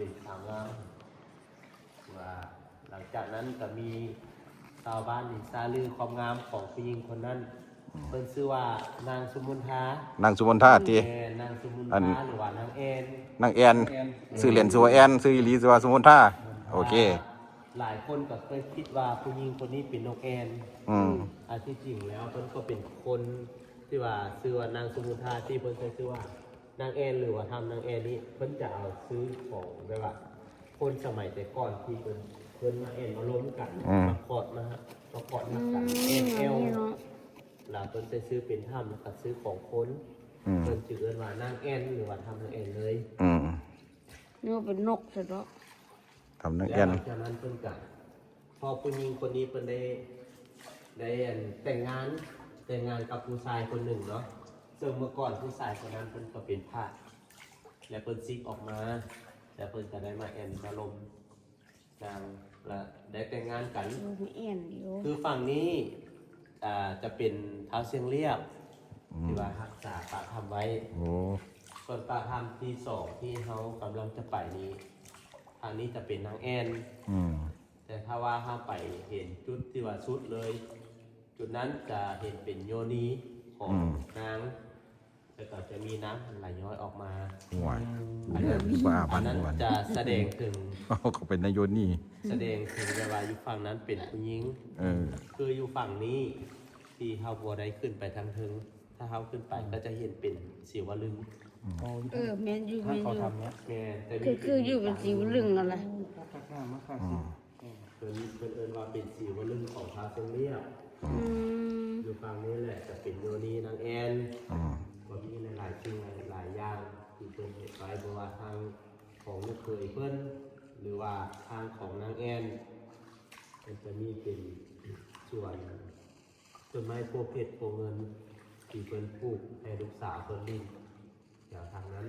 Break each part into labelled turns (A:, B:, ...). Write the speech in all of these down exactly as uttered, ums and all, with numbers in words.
A: เป็นสาวงามว่าหลังจากนั้นก็มีชาวบ้านนี่ซาลือความงามของผู้หญิงคนนั้นเพิ่นชื่อว่านางสุมนทาน
B: างสุมนทาติ
A: แม่นางสุมน
B: อัน
A: ทาหรือว่านางแอน
B: นางแอนชื่อเล่นชื่อว่าแอนชื่ออีหลีชื่อว่าสุมนทาโอเค
A: หลายคนก็เคยคิดว่าผู้หญิงคนนี้เป็นนกแอน
B: อืม
A: อันที่จริงแล้วเพิ่นก็เป็นคนที่ว่าชื่อว่านางสุมนทาที่เพิ่นเคยชื่อว่านางแอนหรือว่าทำนางแอนนี้เพิ่นจะเอาซื้อของแบบว่าคนสมัยแต่ก่อนที่เพิ่นเพิ่นมาแอนมาล้มกันมาขอดมาฮะมาขอดมากันแอนเอลแล้วเพิ่นจะซื้อเป็นถ้ำแล้วก็ซื้อของคน
B: อืม
A: เพิ่นชื่อเอิ้นว่านางแอนหรือว่าทำนางแอนเลย
B: อืม
C: นี่ว่าเป็นนกซะแล้ว
B: ทำนาง
A: แล้
B: แอ
A: วน หลังจากนั้นเพิ่นก็พอผู้หญิงคนนี้เพิ่นได้ได้อันแต่งงานแต่งงานกับผู้ชายคนหนึ่งเนาะซึ่งเมื่อก่อนผู้ชายคนนั้นเพิ่นก็เป็นพระและเพิ่นซิกออกมาแล้วเพิ่นก็ได้มาแอนมาลมนางและได้แต่งงานกัน
C: ดูมีเอ็นอยู่
A: คือฝั่งนี้อ่าจะเป็นเท้าเชียงเรียบที่ว่ารักษาปากทำไว้
B: โอ้
A: ส่วนปากทำที่สองที่เขากำลังจะไปนี้ทางนี้จะเป็นนางแอน
B: อืม
A: แต่ถ้าว่าถ้าไปเห็นจุดที่ว่าชุดเลย จุดนั้นจะเห็นเป็นโยนีของนางแล้วก็จะมีน้ำไหลย้อยออกมา
B: ห่วย
A: อันนั้น
B: บ้า
A: อั
B: พั
A: น
B: น
A: นั้น
B: วัน
A: จะแสดงถึง
B: เขาเป็นนายโยนนี่
A: แสดงถึงเวลาอยู่ฝั่งนั้นเป็นผู้หญิง
B: เออ
A: คืออยู่ฝั่งนี้ที่เฮาบัวได้ขึ้นไปทางทึงถ้าเฮาขึ้นไปก็จะเห็นเป็นสีวลึง
C: เออแมนอยู่แมนอยู่
A: แม่แต่
C: คือคืออยู่เป็นสีลึงอะไร
B: อืม
A: เพิ่นเพิ่นเอิ้นว่าเป็นสีวลึงของพระทรงเรียบ
C: อืม
A: อยู่ฝั่งนี้แหละจะเป็นโยนีนางแอน
B: อืม
A: ก็มีหลายๆสิ่งหลายๆอย่างที่เพิ่นเฮ็ดไว้บ่ว่าทางของลูกเคยเพิ่นหรือว่าทางของนางแอนมันจะมีเป็นส่วนต้นไม้โพธิ์เพชรโพธิ์เงินที่เพิ่นปลูกให้ลูกสาวเพิ่นลิ้นอย่างทางนั้น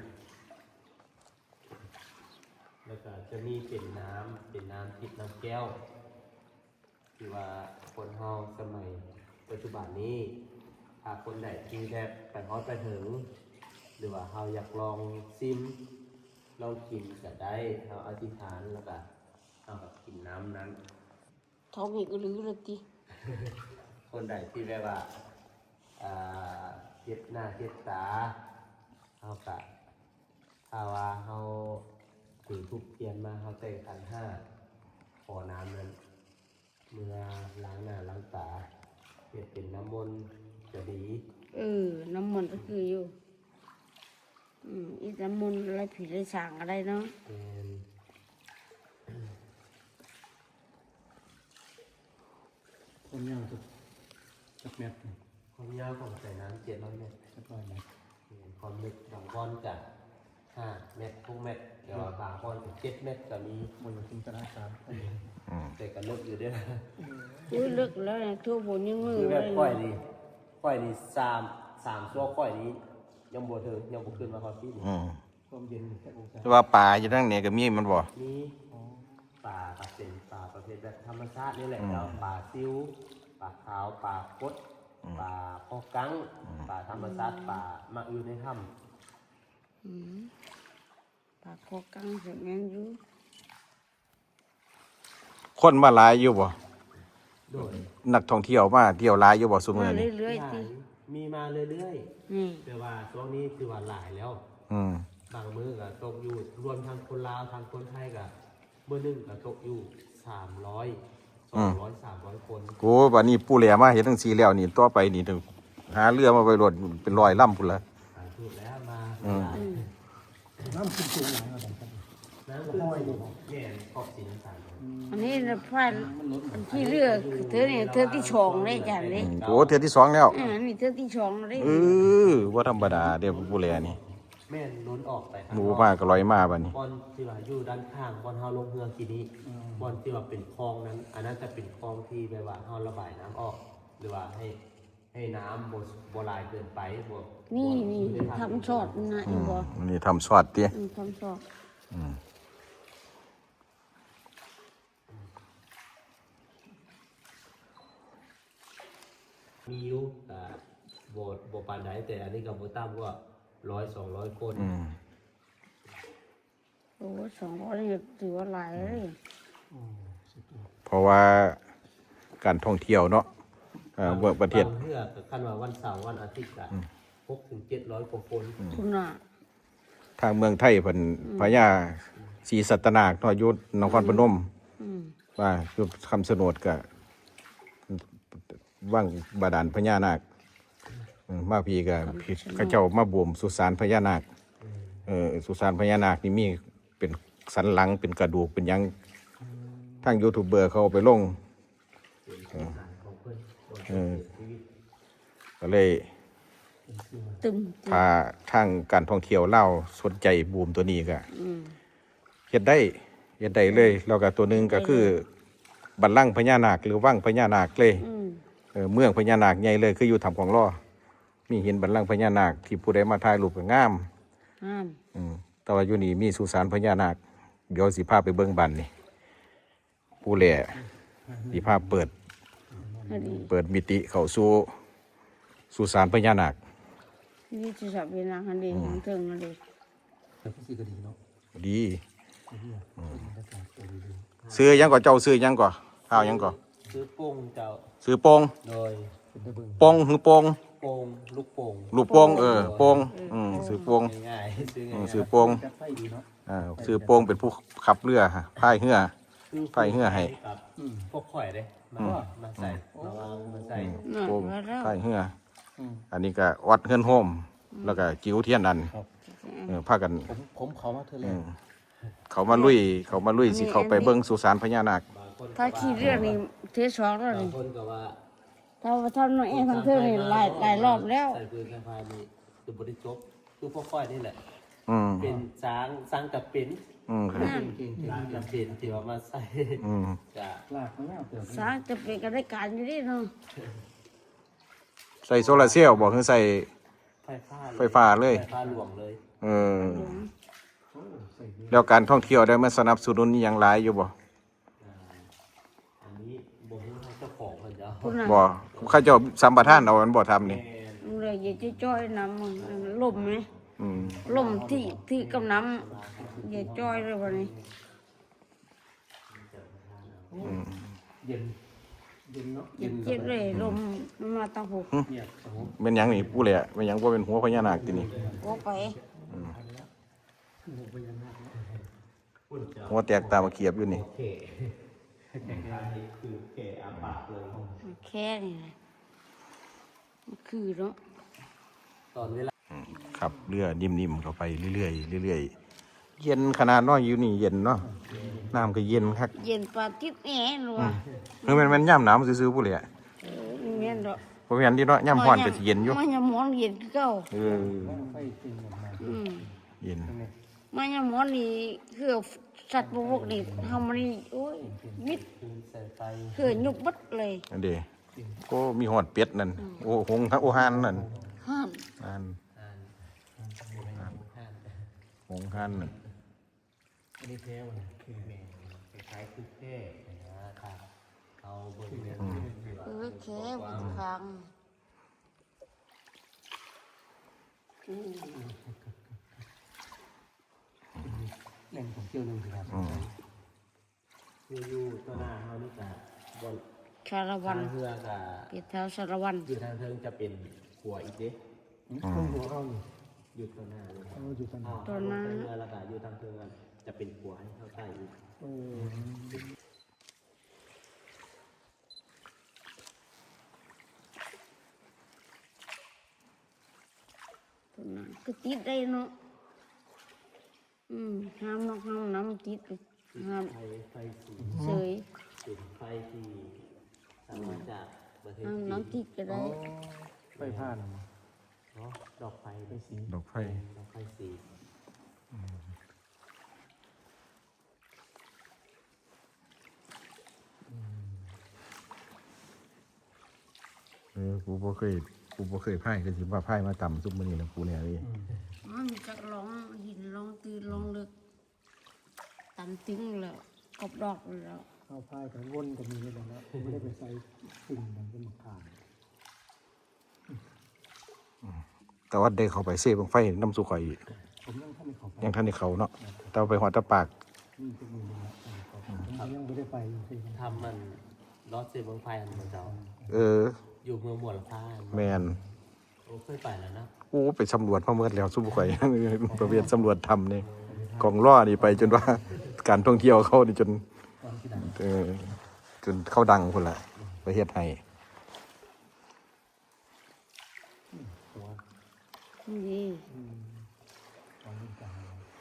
A: แล้วก็จะมีเป็นน้ำเป็นน้ำทิพย์น้ำแก้วที่ว่าคนเฮาสมัยปัจจุบันนี้ถ้าคนใดที่ได้ไปฮอดไปถึง หรือว่าเฮาอยากลองซิมลองกินก็ได้เฮาอธิษฐานแล้วก็เฮาก็กินน้ำนั้น
C: ท้องอีกหรือเลยที
A: คนใดที่แบบว่าอ่าเจ็บหน้าเจ็บตาเฮาก็ถ้าว่าเฮาถือทุกเทียนมาเฮาแต่งขันห้าขอน้ำนั้นเมื่อล้างหน้าล้างตาเฮ็ดเป็นน้ำมนต์จะดี
C: เออน้ำมันต์ก็คืออยู่อืมอีน้ำมันต์อะไรผีอะไรสางอะไรเนาะ
A: เป็น
D: ผมยาวสุดสักเม็ดหนึ่ง
A: ความยาวของสายน้ำเจ็ดร้อยเมตร
D: สักร้อยเม็ด
A: ความลึกบางก้อนจากห้าเมตรทุกเมตรเดี๋ยวบางก้อนถึงเจ็ดเมตรก็มี
D: บนจินตนาการ
B: อืม
A: แต่ก็ลึกอยู่ด้วยนะ
C: อุ้ยเลิกแล้วเนี่ยทั่วบนยังมือ
A: คือ
C: เล
A: แบบ
C: ย
A: ค่อยดีค่อยดีสามสามชั่วค่อยนี้ยังบวเธอยังบวขึ้นมาความที่นี่
B: อืม
D: ความเย็นแค่องศา
B: แต่ว่าป่าอยู่ทั้งเนี่ยก็มีมันบ่
A: มีป่าก็เป็นป่าประเภทแบบธรรมชาตินี่แหละแล้วป่าซิวป่าขาวป่ากดป่าพอกังป่าธรรมชาติป่ามักอยู่ในถ้ำ
C: อืมปากคอกังเสร็จแมนอยู่
B: คนมาหลายอยู่บ่
A: โดย
B: นักท่องเที่ยวมาเที่ยวหลายอยู่บ่ซุมื้
C: มา
B: อนี้
C: เรื่อย
A: ห
C: ๆ
A: ลา
C: สิ
A: ยมีมาเรื่อย
C: นี่
A: ๆแต่ว่าช่วงนี้คือว่าหลายแล้ว
B: อืม
A: บางมื้อก็ตกอยู่รวมทั้งคนลาวทั้งคนไทยก็มื้อหนึงก็ตกอยู่สามร้อยสองร้อยสามร้อยคน
B: กูบัดนี้ปู่แหลมาเฮ็ดจังซี่แล้วนี่ต่อไปนี่ถึงหาเรือมาไว้รถเป็นร้อยลำพุ่นละ
A: สาธุแล้วมา
B: อืม
A: หลาย
D: น้ำขึ้นสูงหลายระดับครับ
A: น้ำคือแม่นขอบสีน้ำตาล
C: อันนี้นะพายอันที่เลือกเธอเนี่ยเธอที่ชองเลยจ้ะเลย
B: โอ้เทื่อที่สองแล้ว
C: อ่านี่เธอที่ชองเลย
B: เออบ่ธรรมดาเด้อปู่แหลนี่
A: แม่นล้นออกไปข้าง
B: หมู
A: นอก
B: มาก็ลอยมาบัดนี้
A: บอนที่ว่าอยู่ด้านข้างบอนเฮาลงเรือกีนี้บอนที่ว่าเป็นคลองนั้น อันนั้นจะเป็นคลองที่แบบว่าเฮาระบายน้ำออก หรือว่าให้ให้น้ำบ่บ่หลายเกินไปบ่
C: นี่
A: บ่
C: นี่
A: ได้
C: ทำชอดนะ
B: อื
C: อี
B: ม
C: บ่
B: อันนี้ทำซอดติ
C: อืมทำชอด
B: อืม
A: มีอยู่อ่าบ่บ่ปานใดแต่อันนี้ก็บ่ต่ำกว่าร้อยสองร้อยคน
B: อืม
C: โอ้ยสองร้อยนี่ถือว่าหลายเลย
D: โอ้สุดยอด
B: เพราะว่าการท่องเที่ยวเนาะเอ่อเมืองประเทศ
A: บางเพื่อกับคันว่าวันเสาร์วันอาทิตย์อะหกถึงเจ็ดร้อยกว่าคน
C: คุณน่ะ
B: ทางเมืองไทยเพิ่นพญาศรีสัตนาคเนาะอยู่นครพนม
C: อืม
B: ว่าอยู่คำสนดก็ว่างบาดาลพญานาคอืมมาพี่ก็พี่เขาเจ้ามาบวมสุสานพญานาคเออสุสานพญานาคนี่มีเป็นสันหลังเป็นกระดูกเป็นหยังทางยูทูบเบอร์เขาเอาไปลง
A: ของเพื่อน
B: เออก็เลย
C: ตึม
B: พาทางการท่องเที่ยวเล่าวสนใจบูมตัวนี้ก็
C: อืม
B: เฮ็ดได้เฮ็ดได้เลยแล้วก็ตัวหนึงก็คือบัลลังก์พญานาคหรือวังพญานาคเลย
C: อืม
B: เออเมืองพญานาคใหญ่เลยคืออยู่ทำของล่อมีเห็นบัลลังก์พญานาคที่ผู้ใดมาถ่ายรูปก็งาม
C: ห้าม
B: อืมแต่ว่าอยู่นี่มีสุสานพญานาคเดี๋ยวสิพาไปเบิ่งบันนี่ผู้แหล่สิพาเปิด
C: อันนี้
B: เปิดมิติเข้าสู่สุสานพญานาค
C: นี่จะสับเป็นอาหารดีของเทิงอันนี้
D: แต่ก็สิก็ดีเนาะ
B: ดี
D: ไอ้เหี้ยเป็นบรรยากาศตัวดี
B: ซื้อหยังก่อเจ้าซื้อหยังก่อข้าวหยังก่อ
A: ซื้อโป่งเจ้า
B: ซื้อโป่ง
A: โดย
D: ๆเป็นได้เบิ่ง
B: โป่งหือโป่ง
A: โป่งลูกโป่ง
B: ลูกโป่งเออโป่งอืมซื้อโป่ง
A: ง่ายๆซื้อ
B: อื
A: ง่าม ย
B: ซื้อโป่ง
D: จัดไฟดีเนาะ
B: อ่าซื้อโป่งเป็นผู้ขับเรือฮะพายเรือ
A: ๆซื้อ
B: ไฟเหื่อให้
A: กับ
D: อืม
A: พวกข่อยเด้มามาใส่มาวางมาใส่
C: น่ะ
B: โป่ง
C: ว่าแล้ว
B: พายเรือ
D: อืม
B: อันนี้ก็วัดเฮือนโฮมแล้วก็จิ๋วเทียนอันเออพากัน
D: ผมผมเขามาเธอแล้
B: อื
D: ว
B: มเขามาลุยเขามาลุยสิเขาไปเบิ่งสุสานพญานาค
A: บางคน
C: ถ้าขี้เรื่องนี้เทสองแล้ว
A: บาง
C: นี่
A: คนก็ว่า
C: ถ้าว่าทำน้อยเองทั้งเทิงนี่หลายหลายรอบแล้ว
A: ใส่ปืนกระพายนี่คือบริจบคือพวกข่อยนี่แหละ
B: อืม
A: เป็นช้างช้างกับเป็น
B: อืม
D: เก่งเก่ง
A: ช้างกับเป็นที่ว่ามาใส่
B: อืม
A: จะ
D: ลากมาแล้วเติม
C: สร้างจะเป็นกันได้การอยู่ดิเนาะ
B: ใส่โซลาร์เซลล์บอกคือใส่
A: ไฟฟ้า
B: ไฟฟ้าเลย
A: ไฟฟ้าหลวงเลย
B: เออ
D: โอ้ใส่ดี
B: แล้วการท่องเที่ยวได้มาสนับสนุนอหย่างหลายอยู่บ่
A: อันนี้บ่ฮู้ให้เจ้าของเพิ่นจะเอา
C: คุณน่ะ
B: บ่เขาเจ้าสัมปทานเอาอันบ่ทำนี่
C: มึงเลยอย่าจะจ้อยน้ำมึงลมไหม
B: อืม
C: ลมที่ที่กำน้ำอย่าจ้อยเลยวันนี้
D: เย็นเย็นเนาะ
C: อย่าเจ็บเลยลมมันมาตั้งหู
D: เนี่ยโอ้โห
B: เป็นหยังนี่ผู้แหละเป็นหยังบ่เป็นหัวพญานาคตินี่
C: โอ้ไป
B: หัวแตกตามาเขียบอยู่นี่
A: เขอันนี้คือเขอาปากเลย
C: แค่นี้แหละมันคือเนาะ
A: ตอนเวลา
B: ขับเรือนิ่มๆเข้าไปเรื่อยๆเรื่อยๆเย็นขนาดเน้อยอยู่นี่เย็นเนาะน้ำก็เย็นคัก
C: เย็นปลาติดแอะหรือวะ
B: คือมันมันย่ำหนาวซื่อๆผู้แหละ
C: เออแม่นดอก
B: บ่แม่นที่เนาะย่ำร้อนก็สิเย็นอยู่
C: มันยังหมอนเย็นคือเก่า
B: เออ
D: ไฟจริงออกมา
C: อืม
B: เย็น
C: มันยังหมอนนี่คือสัตว์พวกนี้ทำมันนี่โอ้ยมิด
A: คืนใส่ไฟ
C: คือยุบบัดเลย
B: อันเด้ก็มีหอดเป็ดนั่นโอ้หงส์โอหานนั่น
C: ห้าม
B: อัน
A: อ่านอ่านอ่าน
B: หงส์หานนั่น
D: อันนี้แพ้วันแค่
A: แม่คล้ายๆคือแค่นะครับเอาเบิ่งเนี่ย
C: เออแค่บนฟังอืม
D: แหล่งท่องเที่ยวหนึ่งสิครับ
B: อืม
A: อยู่ๆตัวหน้าเฮานี่ก็บน
C: ชาละวั
A: ทาน งเรือก็
C: เปียเท้าชาละวัน
A: อยู่ทางเทิงจะเป็นขัวอีกเด้
D: ตรงหัวเขานี่
A: อยู่ตัวหน้าเลย
D: เขาอยู่ตรง
A: อ้า
D: นี้
A: วทางเรือแล้วก็อยู่ทางเทิงจะเป็นขัวให้เข้าใต้อีก
D: โอ้
C: ตัวนั้นก็ติดได้เนาะอืมห้ามนอกห้ามน้ำติดห้าม
A: ไฟไฟสี
C: เฉย
A: จุดไฟที่สามารถจากประเทศ
C: ห้าม
A: จีน
C: น้ำติดก็ได้
D: ไฟผ่าน
A: เนาะดอกไฟไปสี
B: ดอกไฟ
A: ดอกไฟสี
B: เออกูบ่เคยกูบ่เคยพายก็สิว่าพายมาต่ำซุปมื้อนี้นะกูเนี่ยเลย
C: อ๋อมีจักร้องหินร้องตื่นร้องลึกตำติ้งแล้วกบดอกแล้ว
D: เข้าพายกันวนก็มีแล้วนะผมไม่ได้ไปใส่สิ่งมันเป็นมะขาม
B: แต่ว่าได้เข้าไปเซ่บังไฟน้ำสุข่อย
D: ผมยังทำไม่เข้าไป
B: ยังทันได้เข้าเนาะแต่ว่าไปหอดตะปาก
D: นี่ทุกมือเลยนะผมยังไม่ได้ไปจริง
A: ทำมันรถเสียเมืองไฟอันมันเจ้า
B: เออ
A: อยู่เมืองหมวลฟ้า
B: แมน
A: โอ้เคยไปแล้วนะ
B: โอ้ไปสำรวจมาเมื่อแล้วสู้ข่อย ประเภทสำรวจทำนี่กองล่อนี่ไปจนว่า การท่องเที่ยวเขานี่จน
D: ตอนที่ดัง
B: เออจนเข้าดังคนละประเทศไทย
D: ตัว
C: นี่
D: ตอนนี้ดัง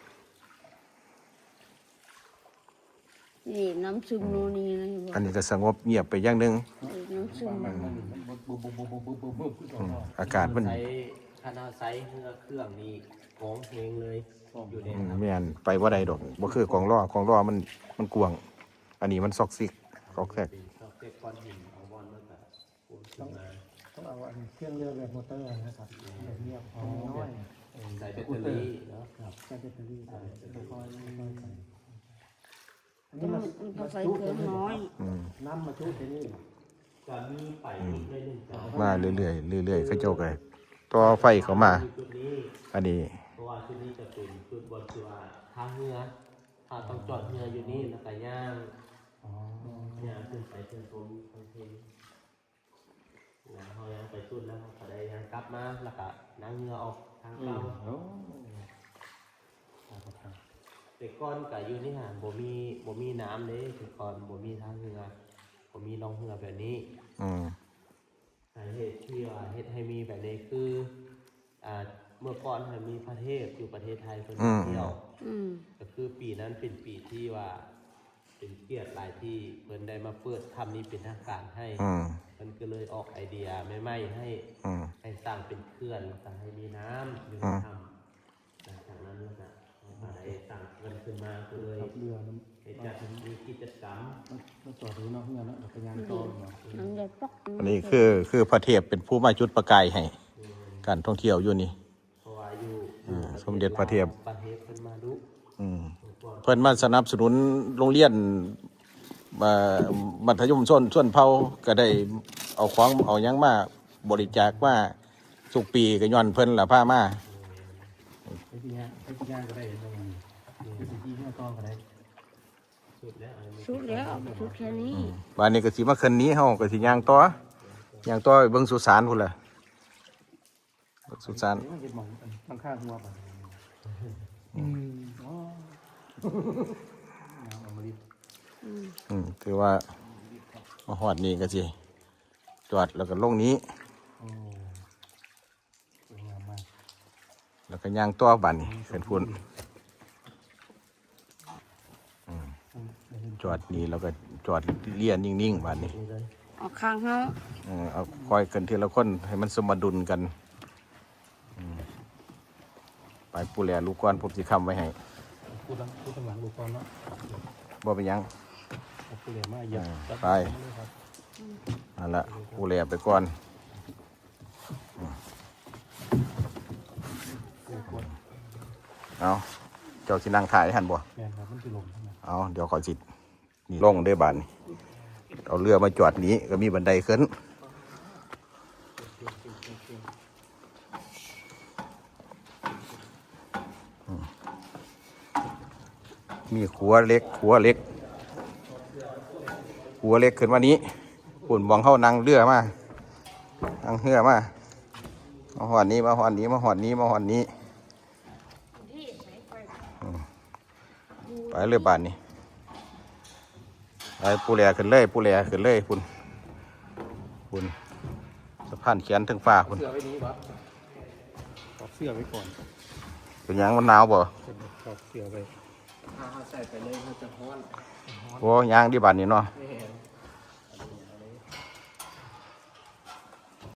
C: นี่น้ำซึมโนนี่นะ
B: อันนี้ก็สงบเงียบไปอย่างหนึง
C: น้ำซึม
D: มันมันมันบุบบุบบุบบุบบุบบุบบุบขึ้น
B: อืม
D: ต่อ
B: อากาศมัน
A: ใช้คณะไซส์เครื่องเครื่องนี่ของเพลงเลยอยู่ใน
B: อืม
A: ครับ
B: แม่นไปว่าใดดอกบ่คือกองล่อกองล่อมันมันกวางอันนี้มันซอกซิกซอกแซก
A: เป็นชอบเก็บก้อนหินเอาบอลมาแต่ปูนขึ้นมา
D: ต้องเอาอันเครื่องเรือแบบมอเตอร์นะครับแบบเงียบน้อย
A: ใส่แบตเตอรี่เนาะครับ
D: ใช้แบตเตอรี่ใส่ค่อยๆค่อยๆใส่อัน
C: ต้
D: นี้
C: อง
D: มา
C: มันก็ใส่เครื่องน้อย
B: อืม
D: น้ำมาชุบที่นี่
A: จะมีไปอีกได้หนึ่งจ้า
B: มาเรื่อยๆเรื่อยๆเขาเจ้าก็ต่อไฟเข้ามา
A: จุดนี้
B: อันนี้
A: เพราะว่าจุดนี้จะเป็นจุดบนคือว่าทางเรือถ้าต้องจอดเรืออยู่นี่แล้วก็ย่าง
D: อ๋อย่าง
A: ขึ้นไปขึ้นตรงทางเพลงนะเขาย่างไปสุดแล้วเขาก็ได้ย่างกลับมาแล้วก็นั่งเรือออกทาง
D: อื
A: เก่าม
D: โอ้ครับครับ
A: แต่ก่อนก็อยู่นี่ฮะบ่มีบ่มีน้ำเลยแต่ก่อนบ่มีทางเรือบ่มีล่องเรือแบบนี้
B: อืม
A: สาเหตุที่ว่าเฮ็ดให้มีแบบนี้คืออ่าเมื่อก่อนให้มีพระเทพอยู่ประเทศไทยเพิ่นมาเที่ยว
C: อืม
A: ก็คือปีนั้นเป็นปีที่ว่าเป็นเกียรติหลายที่เพิ่นได้มาเปิดทำนี้เป็นทางการให้
B: อืม
A: มันก็เลยออกไอเดียไม่ไม่ๆให้
B: อืม
A: ให้สร้างเป็นเขื่อนแล้วก็ให้มีน้ำอยู่ใน
B: อืม
A: ถ้ำหลังจากนั้นแล้วก็เขาก็ได้สร้างเขื่อนขึ้นมาก็เลย
D: ครับเรือมัน
A: ให้จัดมีกิจกรรม
D: มันจอดอยู่นอกเรือเนาะเป็นยางต่อเนาะ
C: น้ำจะปัก
B: อันนี้คือคือพระเทพเป็นผู้มาจุดประกายให้การท่องเที่ยวอยู่นี่
A: เพราะว่าอยู่
B: อ่าสมเด็จพระเทพ
A: ประเทศเพิ่นมาดุ
B: อืม
A: ก่อน
B: เพิ่นมาสนับสนุนโรงเรียนมามัธยมส้นส่วนเผาก็ได้เอาของเอาหยังมาบริจาคมาทุกปีก็ย้อนเพิ่นล่ะพามา
D: ไอ้ที่เนี้ยไอ้ที่ย่างก็ได้ตรงนี้ไอ้ที่ที่เนี่ยต่อก็ได้
A: สุดแล้วอันนี้
C: ชุดแล้วชุดแค่นี้
B: บ้านนี้ก็สิมาคืนนี้เฮาก็สิย่างต่อย่างต่อไปเบิ่งสุสานพุ่นล่ะเบิ่งสุสาน
D: เดี๋ยวมันจะมองข้างข้างหัวป่ะอืมอ๋อน้ำอมฤต
B: อืมถือว่ามาฮอดนี่ก็สิจอดแล้วก็ลงนี้
D: โอ้สวยงามมาก
B: แล้วก็ย่างต่อบ้านนี่ขึ้นพุ่น
D: อืมเดี๋ยวเห็น
B: จอดนี่แล้วก็จอดเลียนนิ่งๆบ้านนี้
A: นี่เลย
C: ออกข้างเขา
B: เออเอาคอยกันทีละคนให้มันสมดุลกันอืมไปปูแลลูกก้อนผมสิคำไว้ให้
D: พูดหลังพูดข้างหลังดูก่อนเนาะ
B: บ่เป็นหยัง
D: เอาผู้เหลี่ยมมาเหยียบ
B: อ่า
D: จับ
B: ไป
D: เลยครับ
B: นั่นละปูแลไปก่อน
D: เดี๋ยวกด
B: เอาเจ้าสินั่งถ่ายให้หันบ่
D: แมนครับมันจะลงใช่ไหม
B: เอาเดี๋ยวขอจิตนี่ลงได้อบานนี่เอาเรือมาจอดนี้ก็มีบันไดขึ้นอืมมีขัวเล็กขัวเล็กขัวเล็กขึ้นมานี้ปุ่นมองเข้านั่งเรือมานั่งเรือมามาหอดนี้มาหอดนี้มาหอดนี้มาหอดนี้อืมไปเรือบานนี่ไปปูแลขึ้นเลยปูแลขึ้นเลยคุณคุณสะพานเขียนถึงฟ้าคุณ
D: เสื้อไว้นี้วะถอดเสื้อไว้ก่อน
B: เป็นหยังมันหนาวบ่
D: ถอดเสื้อไว้
A: ถ้าเขาใส่ไปเลยเขาจะฮ้อน
B: โอ้ยางที่บ้านนี่เนาะ
A: แม่